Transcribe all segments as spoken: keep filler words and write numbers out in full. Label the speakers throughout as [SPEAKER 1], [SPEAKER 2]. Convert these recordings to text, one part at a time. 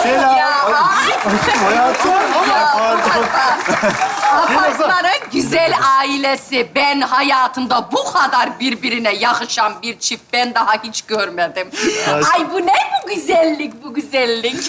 [SPEAKER 1] Selam.
[SPEAKER 2] Ya,
[SPEAKER 1] Hayatım.
[SPEAKER 2] apartmanın güzel ailesi. Ben hayatımda bu kadar birbirine yakışan bir çift ben daha hiç görmedim. Ay bu ne bu güzellik, bu güzellik.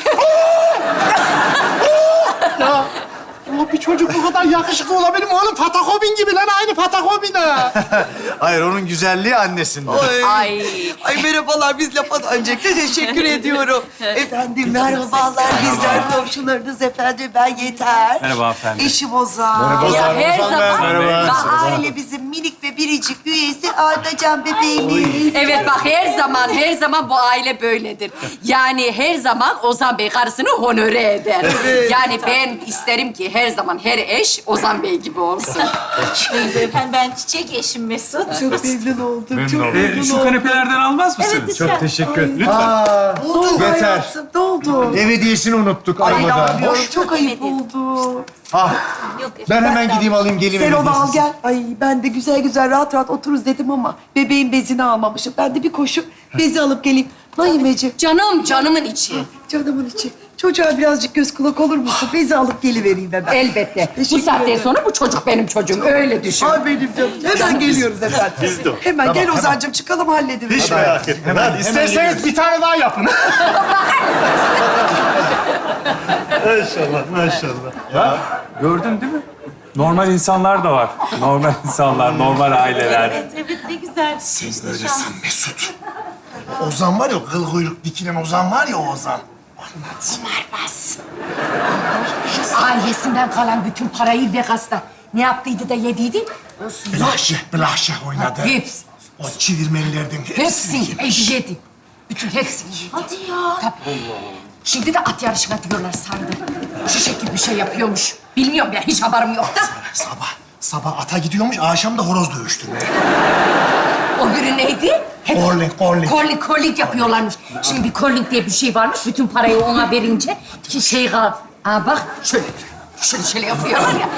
[SPEAKER 1] Ya. Ya bir çocuk bu kadar yakışıklı olabilir mi oğlum? Patakobin gibi lan, aynı Patakobin ha.
[SPEAKER 3] Hayır, onun güzelliği annesinde.
[SPEAKER 4] Ay.
[SPEAKER 2] Ay.
[SPEAKER 4] Ay merhabalar, biz lafa öncelikle teşekkür ediyorum. Efendim merhabalar, bizler komşularınız efendim. Ben Yeter.
[SPEAKER 5] Merhaba efendim.
[SPEAKER 4] Eşim Ozan.
[SPEAKER 3] Merhaba.
[SPEAKER 2] Ya her
[SPEAKER 3] Ozan ben.
[SPEAKER 2] zaman...
[SPEAKER 3] Merhaba.
[SPEAKER 4] Ve ailemizin minik ve biricik üyesi Ardacan bebeğimiz.
[SPEAKER 2] Evet bak her zaman, her zaman bu aile böyledir. Yani her zaman Ozan Bey karısını honore eder. Yani ben isterim ki her zaman her eş Ozan Bey gibi olsun.
[SPEAKER 6] Efendim ben çiçek eşim Mesut.
[SPEAKER 4] Çok memnun oldum. Çok
[SPEAKER 5] Ee,
[SPEAKER 4] memnun
[SPEAKER 5] şu
[SPEAKER 4] oldum.
[SPEAKER 5] kanepelerden almaz mısınız?
[SPEAKER 3] Çok teşekkür.
[SPEAKER 5] Lütfen.
[SPEAKER 3] Aa,
[SPEAKER 4] Ne oldu
[SPEAKER 3] Yeter.
[SPEAKER 4] hayatım? Ne oldu?
[SPEAKER 3] ev hediyesini unuttuk
[SPEAKER 4] Ay
[SPEAKER 3] arabada.
[SPEAKER 4] inanmıyorum. Çok ayıp oldu.
[SPEAKER 3] Ah,
[SPEAKER 6] Yok,
[SPEAKER 3] ben hemen gideyim alayım geleyim.
[SPEAKER 4] Sen
[SPEAKER 3] ev
[SPEAKER 4] onu al
[SPEAKER 3] hediyesini.
[SPEAKER 4] gel. Ay ben de güzel güzel rahat rahat otururuz dedim ama bebeğin bezini almamışım. Ben de bir koşup bezi alıp geleyim. Naimeciğim,
[SPEAKER 2] Canım, canımın içi.
[SPEAKER 4] canımın içi. Çocuğa birazcık göz kulak olur musun? Bezi alıp gelivereyim hemen.
[SPEAKER 2] Elbette. Bu
[SPEAKER 4] Teşekkür
[SPEAKER 2] saatten
[SPEAKER 4] ederim.
[SPEAKER 2] sonra bu çocuk benim çocuğum. Öyle düşün.
[SPEAKER 4] Ay benim canım. Hemen geliyoruz efendim.
[SPEAKER 1] Biz de.
[SPEAKER 4] Hemen gel Ozan'cığım çıkalım halledin.
[SPEAKER 1] Hiç merak etme. Hadi isterseniz bir tane daha yapın. Maşallah, maşallah.
[SPEAKER 5] Gördün değil mi? Normal insanlar da var. Normal insanlar, normal aileler.
[SPEAKER 6] Evet, evet ne güzel.
[SPEAKER 1] Sen öylesin Mesut. Ozan var ya, kıl kuyruk dikilen Ozan var ya, o Ozan.
[SPEAKER 2] Bas. Ailesinden kalan bütün parayı Vegas'ta ne yaptıydı da yediydi?
[SPEAKER 1] Blaşeh, blaşeh oynadı.
[SPEAKER 2] Hepsi.
[SPEAKER 1] O çivirmelilerden hepsini
[SPEAKER 2] Hepsini
[SPEAKER 1] yemiş.
[SPEAKER 2] yedi. Bütün hepsini yedi.
[SPEAKER 6] Hadi ya.
[SPEAKER 2] Tabii. Şimdi de at yarışına diyorlar sandı. Şişek gibi bir şey yapıyormuş. Bilmiyorum ya, hiç haberim yok da.
[SPEAKER 1] Sabah, sabah ata gidiyormuş, akşam da horoz dövüştürmeye.
[SPEAKER 2] O biri neydi? Hep
[SPEAKER 1] Corling, corling.
[SPEAKER 2] Curling, curling yapıyorlarmış. Şimdi bir curling diye bir şey varmış. Bütün parayı ona verince ki şey kal. Aa bak şöyle, şöyle şöyle yapıyorlar ya.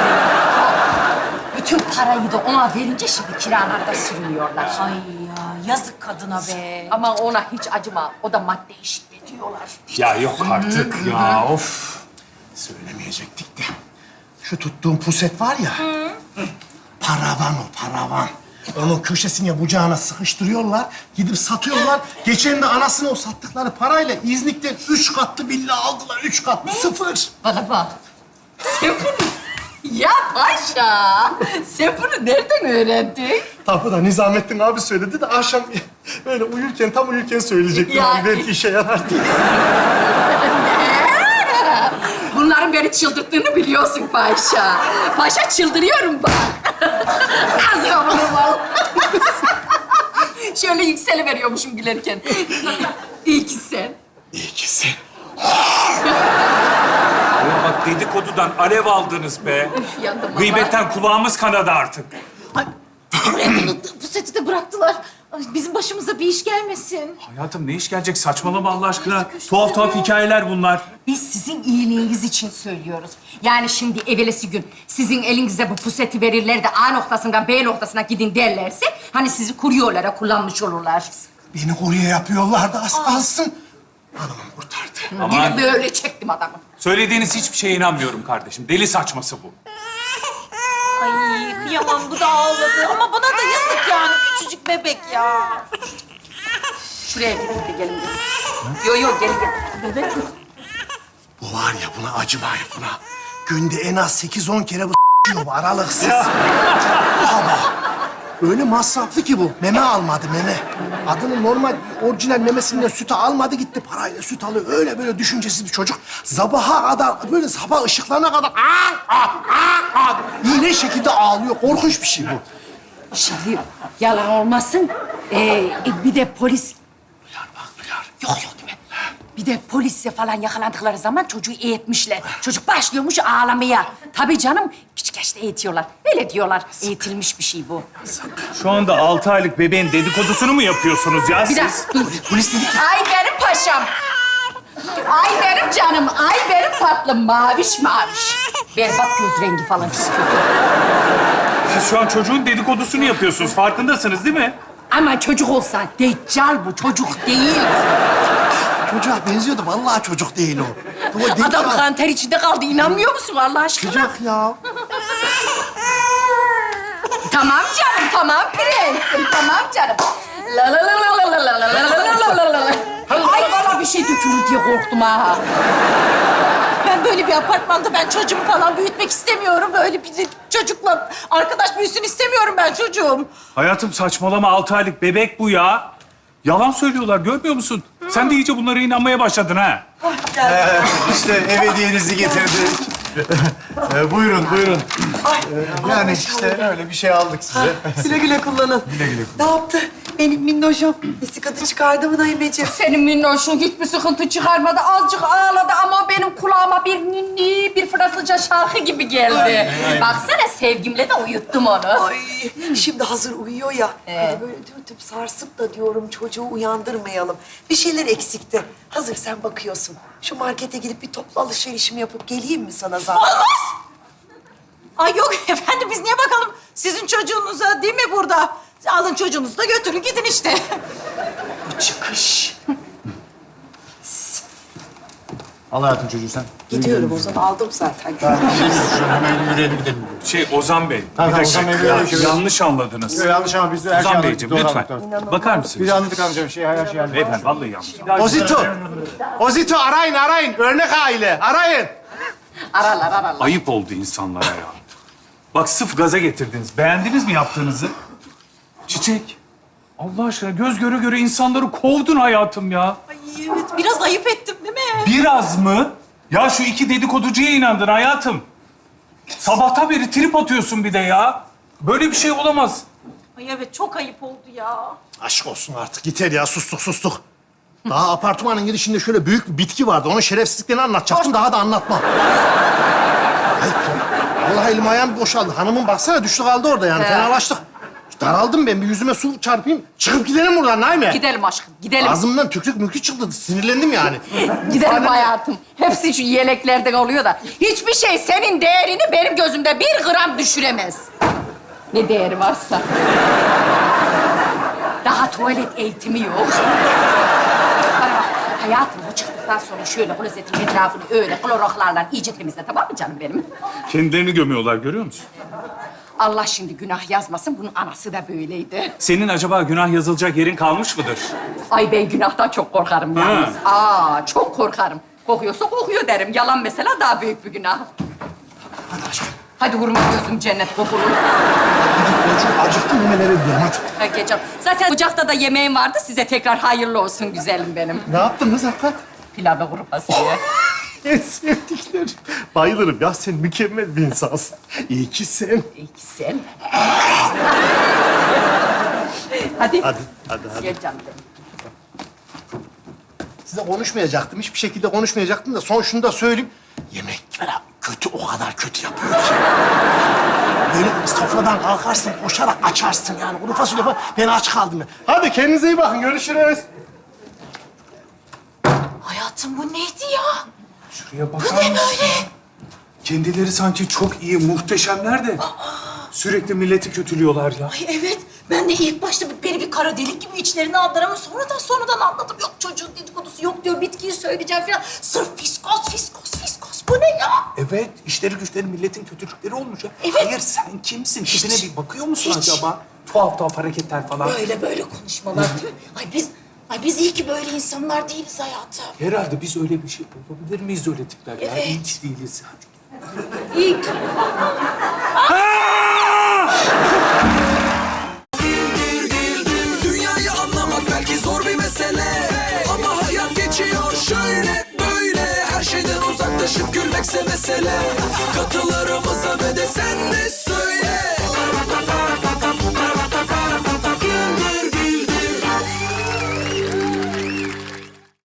[SPEAKER 2] Bütün parayı da ona verince şimdi kiralarda sürünüyorlar.
[SPEAKER 6] Ay ya yazık kadına be.
[SPEAKER 2] Ama ona hiç acıma. O da madde eşitliği diyorlar.
[SPEAKER 5] Ya yok artık ya, of.
[SPEAKER 1] Söylemeyecektik de. Şu tuttuğum puset var ya. Paravan o, paravan. Onun köşesine bucağına sıkıştırıyorlar, gidip satıyorlar. Geçen de anasını o sattıkları parayla İznik'ten üç katlı villa aldılar. Üç katlı, sıfır.
[SPEAKER 2] Bana bak. Sen bunu... Ya paşa, sen bunu nereden öğrendin?
[SPEAKER 1] Tapu da Nizamettin abi söyledi de akşam böyle uyurken, tam uyurken söyleyecektim.
[SPEAKER 2] Ya-
[SPEAKER 1] Abi, belki işe yarar diye.
[SPEAKER 2] Bunların beni çıldırttığını biliyorsun paşa. Paşa çıldırıyorum bak. Az yavrum var. Şöyle yükseliveriyormuşum gülerken. İyi ki sen.
[SPEAKER 1] İyi ki sen.
[SPEAKER 5] Ya bak dedikodudan alev aldınız be.
[SPEAKER 2] Yandım ama.
[SPEAKER 5] Gıybetten kulağımız kanadı artık.
[SPEAKER 6] Bu seti de bıraktılar. Ay, bizim başımıza bir iş gelmesin.
[SPEAKER 5] Hayatım ne iş gelecek? Saçmalama Allah aşkına. Tuhaf tuhaf hikayeler bunlar.
[SPEAKER 2] Biz sizin iyiliğiniz için söylüyoruz. Yani şimdi evvelesi gün sizin elinize bu puseti verirler de A noktasından B noktasına gidin derlerse... ...hani sizi kuryolara kullanmış olurlar.
[SPEAKER 1] Beni kurye yapıyorlardı, az kalsın. Hanımım kurtardı.
[SPEAKER 5] Aman.
[SPEAKER 2] Gidip böyle çektim adamı.
[SPEAKER 5] Söylediğiniz hiçbir şeye inanmıyorum kardeşim. Deli saçması bu.
[SPEAKER 6] Ay kıyamam bu da ağladı. Ama bana da yazık yani küçücük bebek ya.
[SPEAKER 2] Şuraya gidin de gelin. gelin. Yo yo gelin gelin. Bebek mi?
[SPEAKER 1] Bu var ya, buna acımayın buna. Günde en az sekiz on kere bu s***yor bu aralıksız. Baba. Öyle masraflı ki bu. Meme almadı, meme. Adının normal, orijinal memesinden sütü almadı gitti. Parayla süt alıyor. Öyle böyle düşüncesiz bir çocuk. Sabaha kadar, böyle sabah ışıklarına kadar... Aa, aa, aa, aa, iğne şekilde ağlıyor. Korkunç bir şey bu.
[SPEAKER 2] Şimdi yalan olmasın. Ee, e, bir de polis...
[SPEAKER 1] Duyar bak, duyar.
[SPEAKER 2] Yok yok değil mi? Bir de polisle falan yakalandıkları zaman çocuğu eğitmişler. Çocuk başlıyormuş ağlamaya. Tabii canım, küçük yaşta eğitiyorlar. Öyle diyorlar. Eğitilmiş bir şey bu.
[SPEAKER 5] Şu anda altı aylık bebeğin dedikodusunu mu yapıyorsunuz ya
[SPEAKER 2] Bir
[SPEAKER 5] siz?
[SPEAKER 2] dakika dur.
[SPEAKER 1] Polis dedik.
[SPEAKER 2] Ay benim paşam. Ay benim canım. Ay benim tatlım. Maviş maviş. Berbat göz rengi falan istiyor.
[SPEAKER 5] Siz şu an çocuğun dedikodusunu yapıyorsunuz. Farkındasınız değil mi?
[SPEAKER 2] Ama çocuk olsa deccal bu. Çocuk değil.
[SPEAKER 1] çocuğa benziyordu. Vallahi çocuk değil o. O değil
[SPEAKER 2] Adam
[SPEAKER 1] ya.
[SPEAKER 2] kan ter içinde kaldı. İnanmıyor musun Allah aşkına?
[SPEAKER 1] Çocuk ya.
[SPEAKER 2] Tamam canım, tamam prensim, tamam canım. La la la la la la la la la la la la. Ay bana bir şey dökülür diye korktum ha.
[SPEAKER 6] Ben böyle bir apartmanda ben çocuğumu falan büyütmek istemiyorum. Böyle bir çocukla arkadaş büyüsün istemiyorum ben çocuğum.
[SPEAKER 5] Hayatım saçmalama, altı aylık bebek bu ya. Yalan söylüyorlar, görmüyor musun? Sen de iyice bunlara inanmaya başladın ha.
[SPEAKER 3] İşte ev hediyenizi getirdik. Ee, buyurun, buyurun. Ee, yani işte öyle bir şey aldık size.
[SPEAKER 4] Güle güle kullanın.
[SPEAKER 5] Güle güle.
[SPEAKER 4] Ne yaptı? Benim minnoşum. Bir sıkıntı çıkardı mı Naimeciğim?
[SPEAKER 2] Senin minnoşun hiçbir sıkıntı çıkarmadı. Azıcık ağladı ama benim kulağıma bir ninni, bir Fransızca şarkı gibi geldi. Baksana sevgimle de uyuttum onu.
[SPEAKER 4] Ay, şimdi hazır uyuyor ya. Hani böyle dürtüp sarsıp da diyorum çocuğu uyandırmayalım. Bir şeyler eksikti. Hazır sen bakıyorsun. Şu markete gidip bir toplu alışverişimi yapıp geleyim mi sana zaten?
[SPEAKER 6] Olmaz. Ay yok efendim biz niye bakalım sizin çocuğunuza değil mi burada? Alın çocuğunuzu da götürün gidin işte.
[SPEAKER 4] Bu çıkış.
[SPEAKER 3] Al hayatım çocuğu sen.
[SPEAKER 4] Gidiyorum o zaman aldım zaten.
[SPEAKER 3] Hemen yürüyelim gidelim.
[SPEAKER 5] Şey Ozan Bey,
[SPEAKER 3] Tamam,
[SPEAKER 5] bir dakika.
[SPEAKER 3] Ozan Bey,
[SPEAKER 5] Ya,
[SPEAKER 3] böyle şey-
[SPEAKER 5] yanlış anladınız.
[SPEAKER 3] Yok, yanlış ama biz de her şeyi
[SPEAKER 5] Ozan
[SPEAKER 3] anladık.
[SPEAKER 5] Beyciğim
[SPEAKER 3] Doğru
[SPEAKER 5] lütfen.
[SPEAKER 3] anladık, doğru.
[SPEAKER 5] Bakar
[SPEAKER 3] Biz
[SPEAKER 5] mısınız?
[SPEAKER 3] de anladık amcam. Şey, her şey anladık.
[SPEAKER 5] Beyefendi vallahi yanlış.
[SPEAKER 1] Ozito. Ozito arayın arayın. Örnek aile. Arayın.
[SPEAKER 2] Aralar aralar.
[SPEAKER 5] Ayıp oldu insanlara ya. Bak sırf gaza getirdiniz. Beğendiniz mi yaptığınızı? Çiçek. Allah aşkına göz göre göre insanları kovdun hayatım ya.
[SPEAKER 6] Ay evet biraz ayıp ettim değil mi?
[SPEAKER 5] Biraz mı? Ya şu iki dedikoducuya inandın hayatım. Sabahtan beri trip atıyorsun bir de ya. Böyle bir şey olamaz.
[SPEAKER 6] Ay evet çok ayıp oldu ya.
[SPEAKER 1] Aşk olsun artık. Yeter ya. Sustuk sustuk. Daha apartmanın girişinde şöyle büyük bir bitki vardı. Onun şerefsizliklerini anlatacaktım. Daha da anlatmam. Ayıp ya. Vallahi elim ayağım boşaldı. Hanımın baksana düştü kaldı orada yani. Fenalaştık. Daraldım ben. Bir yüzüme su çarpayım. Çıkıp gidelim buradan Naime.
[SPEAKER 2] Gidelim aşkım, gidelim.
[SPEAKER 1] Ağzımdan tükrük mükük çıktı. Sinirlendim yani.
[SPEAKER 2] Gidelim hayatım. Hepsi şu yeleklerden oluyor da. Hiçbir şey senin değerini benim gözümde bir gram düşüremez. Ne değeri varsa. Daha tuvalet eğitimi yok. Bana bak, hayatım bu çıktıktan sonra şöyle klozetin etrafını öyle kloroklarla iyice temizle, tamam mı canım benim?
[SPEAKER 5] Kendilerini gömüyorlar görüyor musun?
[SPEAKER 2] Allah şimdi günah yazmasın, bunun anası da böyleydi.
[SPEAKER 5] Senin acaba günah yazılacak yerin kalmış mıdır?
[SPEAKER 2] Ay ben günahtan çok korkarım yalnız. Aa, çok korkarım. Kokuyorsa kokuyor derim. Yalan mesela daha büyük bir günah.
[SPEAKER 1] Hadi aşkım.
[SPEAKER 2] Hadi vurma gözüm cennet kokulu.
[SPEAKER 1] Ben çok acıktım. Hemen eve gidiyorum hadi.
[SPEAKER 2] Ha, geçelim. Zaten ocakta da yemeğim vardı. Size tekrar hayırlı olsun güzelim benim.
[SPEAKER 1] Ne yaptınız hakikat?
[SPEAKER 2] Pilav ve kuru fasulye.
[SPEAKER 1] En sevdiklerim. Bayılırım ya. Sen mükemmel bir insansın. İyi ki sen.
[SPEAKER 2] İyi ki sen. Hadi.
[SPEAKER 1] Hadi, hadi, hadi.
[SPEAKER 2] Gel canım benim.
[SPEAKER 1] Size konuşmayacaktım. Hiçbir şekilde konuşmayacaktım da son şunu da söyleyeyim. Yemek falan kötü, o kadar kötü yapıyor ki. Böyle sofradan kalkarsın, koşarak açarsın yani. Kuru fasulye falan. Ben aç kaldım ya. Hadi kendinize iyi bakın. Görüşürüz.
[SPEAKER 6] Hayatım bu neydi ya?
[SPEAKER 5] Şuraya bakar mısın? Kendileri sanki çok iyi, muhteşemler de sürekli milleti kötülüyorlar ya.
[SPEAKER 6] Ay evet ben de ilk başta beni bir kara delik gibi içlerine aldılar ama sonradan sonradan anladım. Yok çocuğun dedikodusu yok diyor bitkiyi söyleyeceğim falan. Sırf fiskos fiskos fiskos bu ne ya?
[SPEAKER 5] Evet, işleri güçleri milletin kötülükleri olmuş ya.
[SPEAKER 6] Evet.
[SPEAKER 5] Hayır, sen kimsin?
[SPEAKER 6] Hiç.
[SPEAKER 5] Tipine bir bakıyor musun
[SPEAKER 6] Hiç.
[SPEAKER 5] acaba? Tuhaf tuhaf hareketler falan.
[SPEAKER 6] Böyle böyle konuşmalar değil mi? Ay biz, ay biz iyi ki böyle insanlar değiliz hayatım.
[SPEAKER 5] Herhalde biz öyle bir şey olabilir miyiz öyle tipler ya?
[SPEAKER 6] Evet.
[SPEAKER 5] Hiç değiliz. Hadi.
[SPEAKER 2] İyi ki.
[SPEAKER 7] Dünyayı anlamak belki zor bir mesele, ama hayat geçiyor şöyle böyle. Her şeyden uzaklaşıp gülmekse mesele. Katılarımıza ve de sen de